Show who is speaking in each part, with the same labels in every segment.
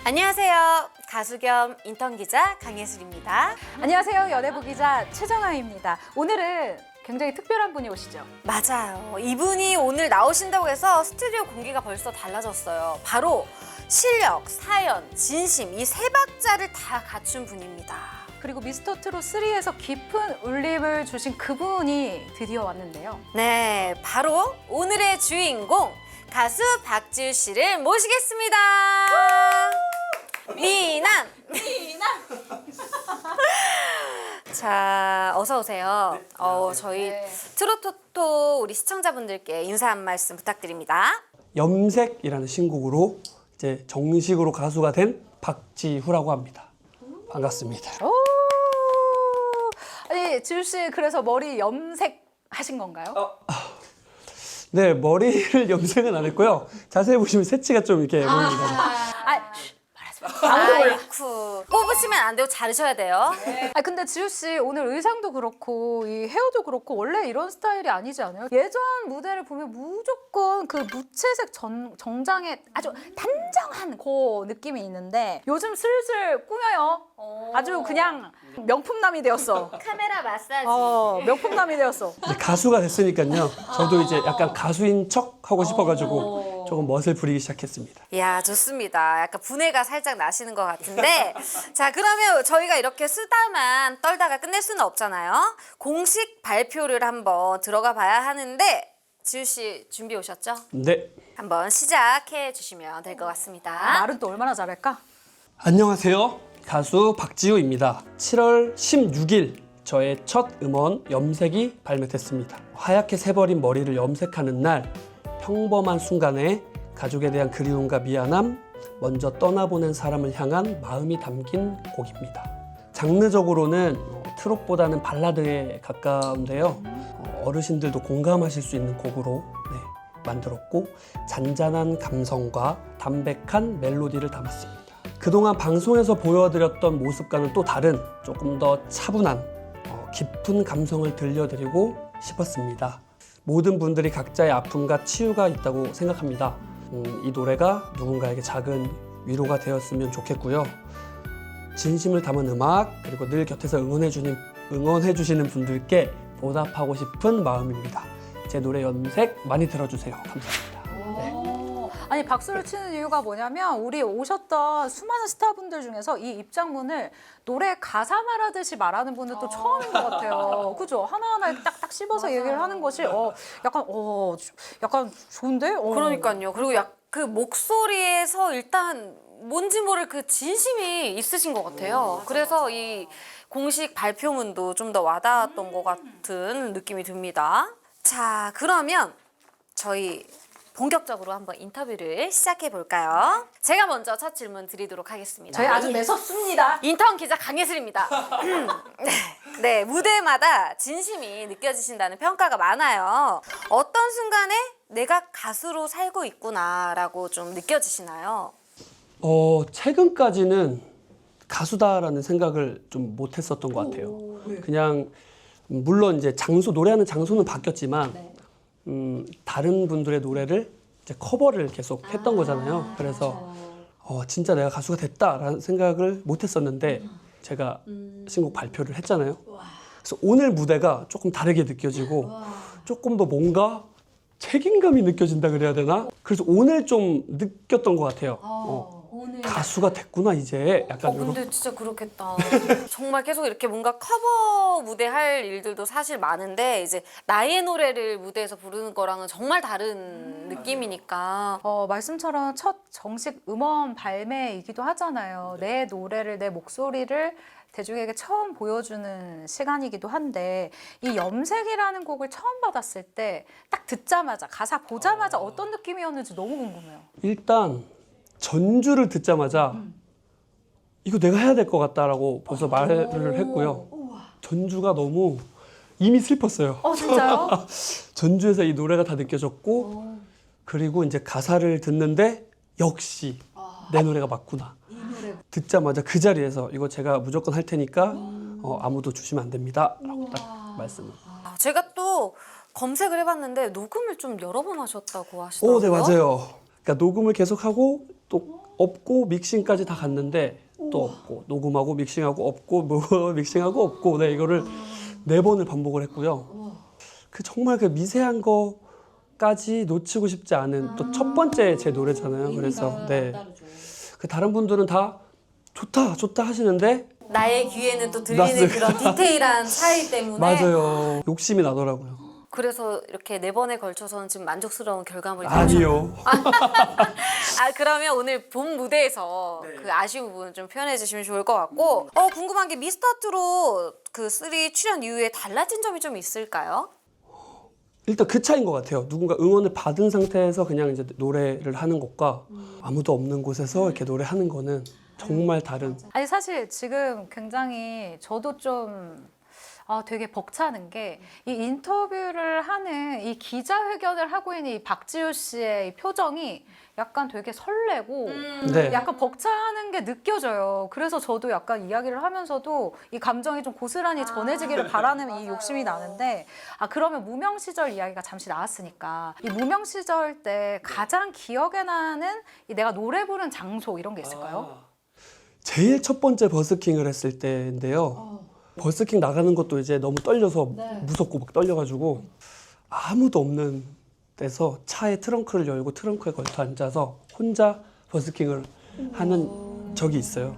Speaker 1: 안녕하세요. 가수 겸 인턴 기자 강예슬입니다.
Speaker 2: 안녕하세요. 연예부 기자 최정아입니다. 오늘은 굉장히 특별한 분이 오시죠?
Speaker 1: 맞아요. 이분이 오늘 나오신다고 해서 스튜디오 공기가 벌써 달라졌어요. 바로 실력, 사연, 진심 이 세 박자를 다 갖춘 분입니다.
Speaker 2: 그리고 미스터 트롯 3에서 깊은 울림을 주신 그분이 드디어 왔는데요.
Speaker 1: 네, 바로 오늘의 주인공 가수 박지우 씨를 모시겠습니다. 미남! 자, 어서 오세요. 저희 트로토토 우리 시청자분들께 인사 한 말씀 부탁드립니다.
Speaker 3: 염색이라는 신곡으로 이제 정식으로 가수가 된 박지후라고 합니다. 반갑습니다.
Speaker 2: 오! 아니, 지우 씨 그래서 머리 염색 하신 건가요?
Speaker 3: 네, 머리를 염색은 안 했고요. 자세히 보시면 새치가 좀 이렇게 보입니다.
Speaker 1: 아이쿠. 뽑으시면 안 되고 자르셔야 돼요.
Speaker 2: 아 근데 지우 씨 오늘 의상도 그렇고 이 헤어도 그렇고 원래 이런 스타일이 아니지 않아요? 예전 무대를 보면 무조건 그 무채색 정장에 아주 단정한 그 느낌이 있는데 요즘 슬슬 꾸며요. 아주 그냥 명품남이 되었어.
Speaker 1: 카메라 마사지.
Speaker 2: 명품남이 되었어.
Speaker 3: 이제 가수가 됐으니까요. 저도 이제 약간 가수인 척 하고 싶어가지고 조금 멋을 부리기 시작했습니다.
Speaker 1: 이야, 좋습니다. 약간 분해가 살짝 나시는 것 같은데. 자, 그러면 저희가 이렇게 수다만 떨다가 끝낼 수는 없잖아요. 공식 발표를 한번 들어가 봐야 하는데, 지우 씨 준비 오셨죠?
Speaker 3: 네.
Speaker 1: 한번 시작해 주시면 될 것 같습니다.
Speaker 2: 말은 또 얼마나 잘할까?
Speaker 3: 안녕하세요. 가수 박지우입니다. 7월 16일 저의 첫 음원 염색이 발매됐습니다. 하얗게 새버린 머리를 염색하는 날 평범한 순간에 가족에 대한 그리움과 미안함, 먼저 떠나보낸 사람을 향한 마음이 담긴 곡입니다. 장르적으로는 트롯보다는 발라드에 가까운데요. 어르신들도 공감하실 수 있는 곡으로 만들었고 잔잔한 감성과 담백한 멜로디를 담았습니다. 그동안 방송에서 보여드렸던 모습과는 또 다른 조금 더 차분한 깊은 감성을 들려드리고 싶었습니다. 모든 분들이 각자의 아픔과 치유가 있다고 생각합니다. 이 노래가 누군가에게 작은 위로가 되었으면 좋겠고요. 진심을 담은 음악 그리고 늘 곁에서 응원해 주시는 분들께 보답하고 싶은 마음입니다. 제 노래 염색 많이 들어주세요. 감사합니다.
Speaker 2: 아니 박수를 치는 이유가 뭐냐면 우리 오셨던 수많은 스타분들 중에서 이 입장문을 노래 가사 말하듯이 말하는 분은 또 처음인 것 같아요. 그죠? 하나하나 이렇게 딱딱 씹어서 얘기를 하는 것이 약간 좋은데?
Speaker 1: 그러니까요. 그리고 그 목소리에서 일단 뭔지 모를 그 진심이 있으신 것 같아요. 그래서 이 공식 발표문도 좀 더 와닿았던 것 같은 느낌이 듭니다. 자, 그러면 저희 본격적으로 한번 인터뷰를 시작해 볼까요? 제가 먼저 첫 질문 드리도록 하겠습니다.
Speaker 2: 저희 아주 매섭습니다.
Speaker 1: 인턴 기자 강예슬입니다. 네, 무대마다 진심이 느껴지신다는 평가가 많아요. 어떤 순간에 내가 가수로 살고 있구나라고 좀 느껴지시나요?
Speaker 3: 최근까지는 가수다라는 생각을 좀 못했었던 것 같아요. 그냥 물론 이제 노래하는 장소는 바뀌었지만 다른 분들의 노래를 이제 커버를 계속 했던 거잖아요. 그래서 진짜 내가 가수가 됐다라는 생각을 못했었는데 제가 신곡 발표를 했잖아요. 그래서 오늘 무대가 조금 다르게 느껴지고 조금 더 뭔가 책임감이 느껴진다 그래야 되나? 그래서 오늘 좀 느꼈던 것 같아요. 가수가 됐구나 이제 약간 이런.
Speaker 1: 근데 진짜 그렇겠다. 정말 계속 이렇게 뭔가 커버 무대 할 일들도 사실 많은데 이제 나의 노래를 무대에서 부르는 거랑은 정말 다른 느낌이니까.
Speaker 2: 말씀처럼 첫 정식 음원 발매이기도 하잖아요. 내 노래를, 내 목소리를 대중에게 처음 보여주는 시간이기도 한데 이 염색이라는 곡을 처음 받았을 때 딱 듣자마자 가사 보자마자 어떤 느낌이었는지 너무 궁금해요.
Speaker 3: 일단 전주를 듣자마자 이거 내가 해야 될 것 같다라고 벌써 말을 했고요. 전주가 너무 이미 슬펐어요.
Speaker 2: 진짜요?
Speaker 3: 전주에서 이 노래가 다 느껴졌고 그리고 이제 가사를 듣는데 역시 내 노래가 맞구나. 듣자마자 그 자리에서 이거 제가 무조건 할 테니까 아무도 주시면 안 됩니다 라고 딱 말씀을.
Speaker 1: 제가 또 검색을 해봤는데 녹음을 좀 여러 번 하셨다고 하시더라고요.
Speaker 3: 네, 맞아요. 그러니까 녹음을 계속하고 또 없고 믹싱까지 다 갔는데 또 없고 녹음하고 믹싱하고 없고 뭐 믹싱하고 없고 네 이거를 4번을 반복을 했고요. 그 정말 그 미세한 거까지 놓치고 싶지 않은 또 첫 번째 제 노래잖아요. 그래서 네. 그 다른 분들은 다 좋다 하시는데
Speaker 1: 나의 귀에는 또 들리는
Speaker 3: 맞습니다.
Speaker 1: 그런 디테일한 차이 때문에
Speaker 3: 맞아요. 욕심이 나더라고요.
Speaker 1: 그래서 이렇게 4번에 걸쳐서는 지금 만족스러운 결과물이
Speaker 3: 아니요.
Speaker 1: 그러면 오늘 본 무대에서 그 아쉬운 부분 좀 표현해 주시면 좋을 것 같고 궁금한 게 미스터트롯 그 3 출연 이후에 달라진 점이 좀 있을까요?
Speaker 3: 일단 그 차이인 것 같아요. 누군가 응원을 받은 상태에서 그냥 이제 노래를 하는 것과 아무도 없는 곳에서 이렇게 노래하는 거는 정말 다른.
Speaker 2: 아니 사실 지금 굉장히 저도 좀 되게 벅차는 게 이 인터뷰를 하는 이 기자회견을 하고 있는 이 박지우 씨의 이 표정이 약간 되게 설레고
Speaker 3: 네.
Speaker 2: 약간 벅차는 게 느껴져요. 그래서 저도 약간 이야기를 하면서도 이 감정이 좀 고스란히 전해지기를 바라는 이 욕심이 나는데 그러면 무명 시절 이야기가 잠시 나왔으니까 이 무명 시절 때 가장 기억에 나는 이 내가 노래 부른 장소 이런 게 있을까요?
Speaker 3: 제일 첫 번째 버스킹을 했을 때인데요. 버스킹 나가는 것도 이제 너무 떨려서 무섭고 막 떨려가지고 아무도 없는 데서 차에 트렁크를 열고 트렁크에 걸터 앉아서 혼자 버스킹을 하는 적이 있어요.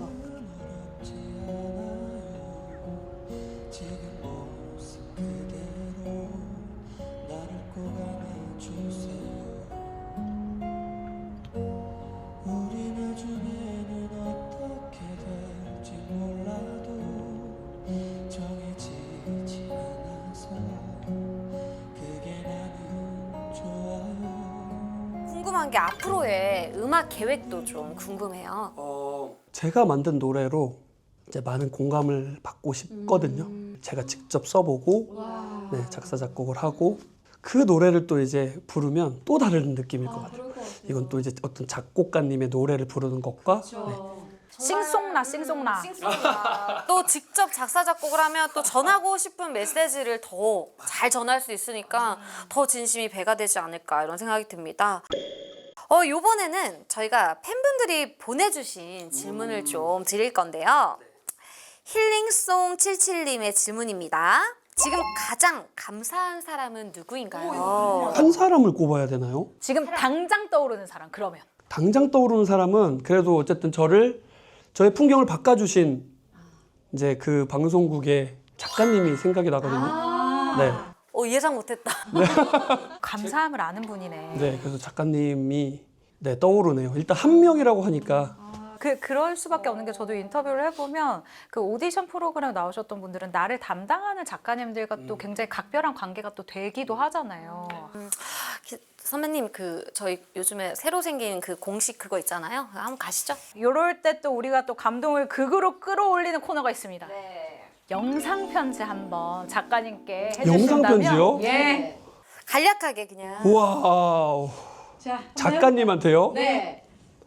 Speaker 1: 궁금한 게 앞으로의 음악 계획도 좀 궁금해요.
Speaker 3: 제가 만든 노래로 이제 많은 공감을 받고 싶거든요. 제가 직접 써보고 네, 작사 작곡을 하고 그 노래를 또 이제 부르면 또 다른 느낌일 것 같아요. 이건 또 이제 어떤 작곡가님의 노래를 부르는 것과 네.
Speaker 2: 싱송라 싱송라.
Speaker 1: 또 직접 작사 작곡을 하면 또 전하고 싶은 메시지를 더 잘 전할 수 있으니까 더 진심이 배가 되지 않을까 이런 생각이 듭니다. 요번에는 저희가 팬분들이 보내주신 질문을 좀 드릴 건데요. 힐링송 77님의 질문입니다. 지금 가장 감사한 사람은 누구인가요?
Speaker 3: 한 사람을 꼽아야 되나요?
Speaker 2: 지금 당장 떠오르는 사람 그러면
Speaker 3: 당장 떠오르는 사람은 그래도 어쨌든 저의 풍경을 바꿔주신 이제 그 방송국의 작가님이 생각이 나거든요. 네.
Speaker 1: 예상 못했다.
Speaker 2: 감사함을 아는 분이네.
Speaker 3: 네, 그래서 작가님이 네, 떠오르네요. 일단 한 명이라고 하니까
Speaker 2: 그럴 수밖에 없는 게 저도 인터뷰를 해보면 그 오디션 프로그램 나오셨던 분들은 나를 담당하는 작가님들과 또 굉장히 각별한 관계가 또 되기도 하잖아요.
Speaker 1: 선배님 저희 요즘에 새로 생긴 그 공식 그거 있잖아요. 한번 가시죠.
Speaker 2: 이럴 때 또 우리가 또 감동을 극으로 끌어올리는 코너가 있습니다.
Speaker 1: 네.
Speaker 2: 영상 편지 한번 작가님께
Speaker 3: 영상
Speaker 2: 해주신다면
Speaker 3: 편지요?
Speaker 2: 예.
Speaker 1: 간략하게 그냥.
Speaker 3: 우와 작가님한테요?
Speaker 2: 네.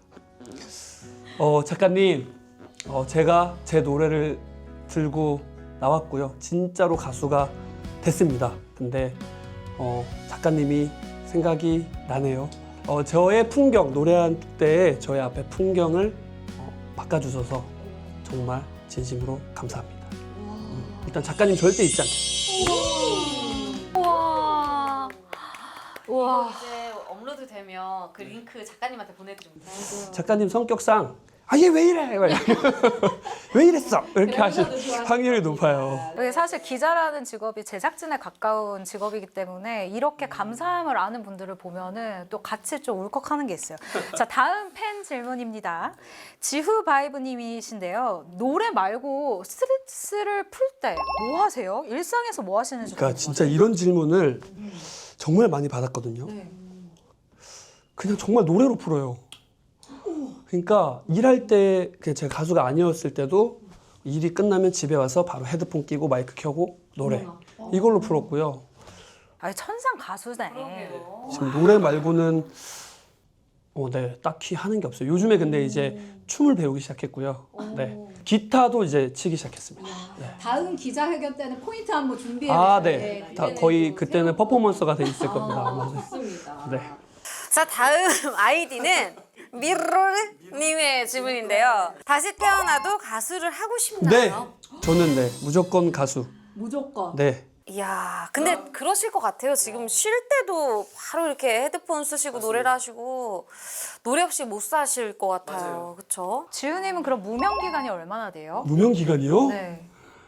Speaker 3: 작가님 제가 제 노래를 들고 나왔고요. 진짜로 가수가 됐습니다. 근데 작가님이 생각이 나네요. 저의 풍경 노래할 때 저의 앞에 풍경을 바꿔주셔서 정말 진심으로 감사합니다. 일단 작가님 절대 잊지 않겠습니다.
Speaker 2: 우와. 우와.
Speaker 1: 이제 업로드 되면 그 링크 작가님한테 보내드리면 돼요.
Speaker 3: 작가님 성격상 얘 왜 이래? 왜 이랬어? 이렇게 하실 확률이 높아요.
Speaker 2: 이게 사실 기자라는 직업이 제작진에 가까운 직업이기 때문에 이렇게 감사함을 아는 분들을 보면은 또 같이 좀 울컥하는 게 있어요. 자, 다음 팬 질문입니다. 지후 바이브님이신데요. 노래 말고 스트레스를 풀 때 뭐 하세요? 일상에서 뭐 하시는지.
Speaker 3: 그러니까 진짜 이런 질문을 정말 많이 받았거든요. 그냥 정말 노래로 풀어요. 그러니까 일할 때 제가 가수가 아니었을 때도 일이 끝나면 집에 와서 바로 헤드폰 끼고 마이크 켜고 노래 이걸로 풀었고요.
Speaker 2: 아니 천상 가수네.
Speaker 3: 지금 노래 말고는 네, 딱히 하는 게 없어요. 요즘에 근데 이제 춤을 배우기 시작했고요. 네, 기타도 이제 치기 시작했습니다. 네.
Speaker 4: 다음 기자회견 때는 포인트 한번 준비해
Speaker 3: 네, 다 거의 그때는 퍼포먼스가 돼 있을 겁니다. 아마.
Speaker 4: 좋습니다.
Speaker 3: 네.
Speaker 1: 자, 다음 아이디는 미로르님의 질문인데요. 다시 태어나도 가수를 하고
Speaker 3: 네,
Speaker 1: 싶나요?
Speaker 3: 저는 네 무조건 가수.
Speaker 4: 무조건.
Speaker 3: 네,
Speaker 1: 이야, 근데 그러실 것 같아요. 지금 쉴 때도 바로 이렇게 헤드폰 쓰시고 노래를 하시고 노래 없이 못 사실 것 같아요. 그렇죠?
Speaker 2: 지우님은 그럼 무명 기간이 얼마나 돼요?
Speaker 3: 무명 기간이요?
Speaker 2: 네.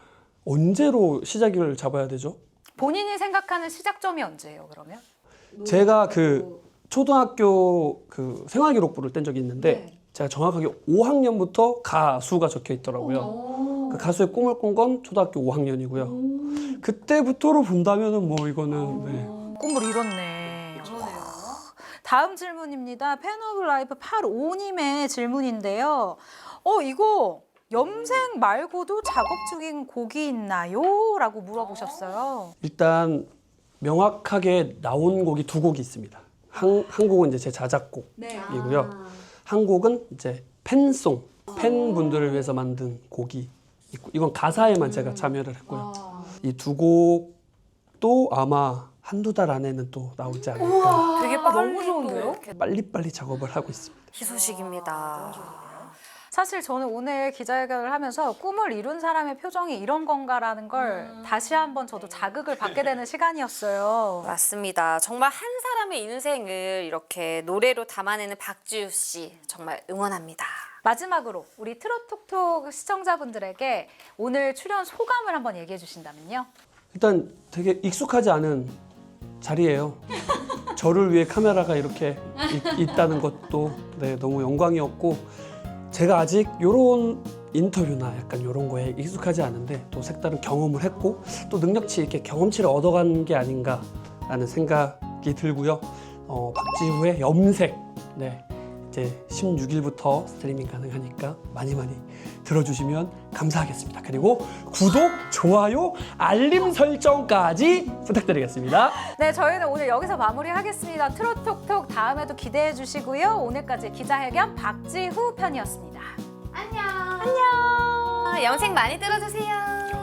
Speaker 3: 언제로 시작을 잡아야 되죠?
Speaker 2: 본인이 생각하는 시작점이 언제예요, 그러면?
Speaker 3: 제가 그 초등학교 그 생활기록부를 뗀 적이 있는데
Speaker 4: 네.
Speaker 3: 제가 정확하게 5학년부터 가수가 적혀 있더라고요. 그 가수의 꿈을 꾼 건 초등학교 5학년이고요. 그때부터로 본다면은 뭐 이거는 네.
Speaker 2: 꿈을 이뤘네. 다음 질문입니다. 팬 오브 라이프 85님의 질문인데요. 이거 염색 말고도 작업 중인 곡이 있나요? 라고 물어보셨어요.
Speaker 3: 일단 명확하게 나온 곡이 두 곡이 있습니다. 한 곡은 이제 제 자작곡이고요.
Speaker 4: 네.
Speaker 3: 한 곡은 이제 팬송, 팬분들을 위해서 만든 곡이 있고 이건 가사에만 제가 참여를 했고요. 이 두 곡도 아마 한두 달 안에는 또 나오지 않을까.
Speaker 1: 되게 빨리
Speaker 2: 너무 좋은데요?
Speaker 1: 또 이렇게
Speaker 3: 빨리빨리 작업을 하고 있습니다.
Speaker 1: 희소식입니다.
Speaker 2: 사실 저는 오늘 기자회견을 하면서 꿈을 이룬 사람의 표정이 이런 건가라는 걸 다시 한번 저도 자극을 받게 되는 시간이었어요.
Speaker 1: 맞습니다. 정말 한 사람의 인생을 이렇게 노래로 담아내는 박지우 씨 정말 응원합니다.
Speaker 2: 마지막으로 우리 트롯톡톡 시청자분들에게 오늘 출연 소감을 한번 얘기해 주신다면요.
Speaker 3: 일단 되게 익숙하지 않은 자리예요. 저를 위해 카메라가 이렇게 있다는 것도 네, 너무 영광이었고 제가 아직 이런 인터뷰나 약간 이런 거에 익숙하지 않은데 또 색다른 경험을 했고 또 능력치 이렇게 경험치를 얻어간 게 아닌가라는 생각이 들고요. 박지우의 염색 네, 이제 16일부터 스트리밍 가능하니까 많이 들어주시면 감사하겠습니다. 그리고 구독, 좋아요, 알림 설정까지 부탁드리겠습니다.
Speaker 2: 네, 저희는 오늘 여기서 마무리하겠습니다. 트롯톡톡 다음에도 기대해 주시고요. 오늘까지 기자회견 박지후 편이었습니다.
Speaker 1: 염색 많이 들어주세요.